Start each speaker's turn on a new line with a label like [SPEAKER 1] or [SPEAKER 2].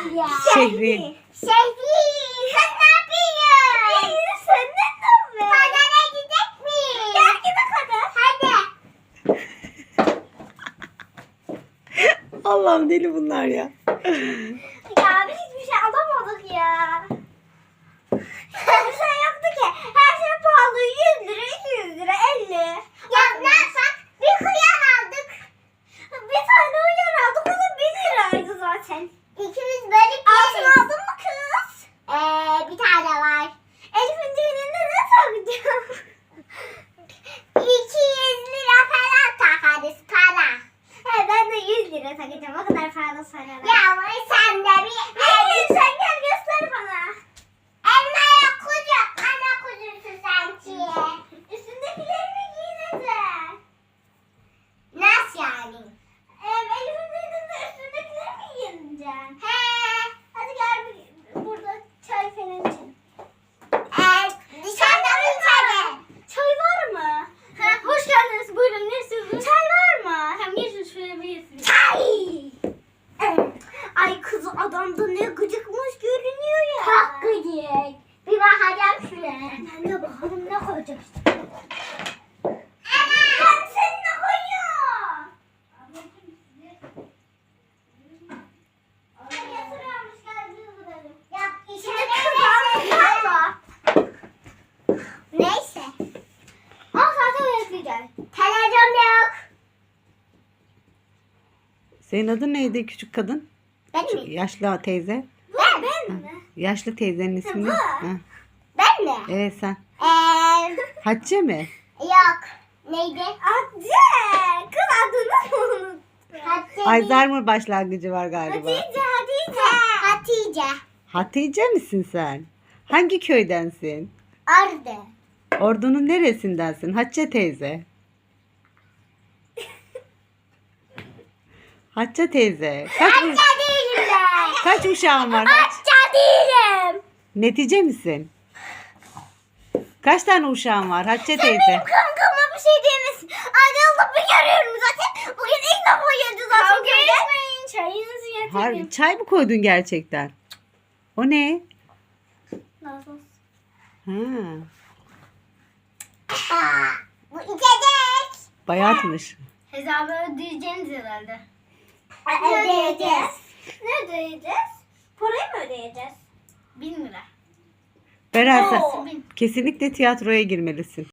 [SPEAKER 1] Şehri.
[SPEAKER 2] Şehri. Sen ne yapıyorsun? Sen ne yapıyorsun? Pazara gidecek miyiz? Gel gidelim hadi. Hadi.
[SPEAKER 1] Allah'ım deli bunlar ya.
[SPEAKER 2] Ya biz hiçbir şey alamadık ya. Hiçbir şey yoktu ki. Her şey pahalı. 100 lira, 200 lira, 50. Ya ne yapsak? Bir hıyar aldık. Bir tane hıyar aldık. O da 1 liraydı zaten. İkimiz bölüp altın aldın mı kız? Bir tane var. Elif'in düğününde ne takacağım? 200 lira falan takarız para. He ben de 100 lira takacağım. O kadar pahalı sonra. Ya ama sen de bir... sen gel göster bana. Elmaya kucak. Ana kuzusu sanki. Üstündekilerini giyineceksin. Nasıl yani? Elif'in düğününde üstündekileri mi giyineceksin? He. Hadi gel burada çay falan için. Dışarıda mı içeri? Çay var mı? Ha, hoş geldiniz. Buyurun ne istiyorsunuz? Çay var mı? Hem geçin şöyle bir yesin. Çay! Ay kız adamda ne gıcıkmış görünüyor ya. Çok gıcık. Bir bakacağım şuraya. Ben de bakalım ne koyacak işte. Ben seni ne koyuyorum? Yatırıyormuş geldiğini bulalım. Ya içine kızarmış. Neyse. Ama zaten bekleyeceğiz. Televizyon yok.
[SPEAKER 1] Senin adın neydi küçük kadın?
[SPEAKER 2] Ben mi?
[SPEAKER 1] Yaşlı teyze.
[SPEAKER 2] Ben mi?
[SPEAKER 1] Yaşlı teyzenin ismi.
[SPEAKER 2] Bu.
[SPEAKER 1] Ha.
[SPEAKER 2] Ben mi?
[SPEAKER 1] Evet sen. Hatice mi?
[SPEAKER 2] Yok. Neydi? Hatice. Kız adını unuttum. Hatice.
[SPEAKER 1] Alzheimer başlangıcı var galiba.
[SPEAKER 2] Hatice.
[SPEAKER 1] Hatice misin sen? Hangi köydensin?
[SPEAKER 2] Ardı.
[SPEAKER 1] Ordu'nun neresindensin Hatice teyze? Hatice teyze.
[SPEAKER 2] Hatice değilim ben.
[SPEAKER 1] Kaç uşağın var?
[SPEAKER 2] Hatice değilim.
[SPEAKER 1] Netice misin? Kaç tane uşağın var Hatice teyze?
[SPEAKER 2] Benim kankama bir şey diyemesin. Ay Allah bir görüyorum zaten. Bugün ilk defa geldi zaten. Kavga etmeyin. Çayınızı getirin.
[SPEAKER 1] Har çay mı koydun gerçekten? O ne?
[SPEAKER 2] Nasıl?
[SPEAKER 1] Ha,
[SPEAKER 2] Bu içecek.
[SPEAKER 1] bayatmış.
[SPEAKER 2] Hesabı ödeyeceğiniz herhalde. Ödeyeceğiz. Ne ödeyeceğiz? Parayı mı ödeyeceğiz? 1000 lira.
[SPEAKER 1] Beren sen
[SPEAKER 2] Oo.
[SPEAKER 1] kesinlikle tiyatroya girmelisin.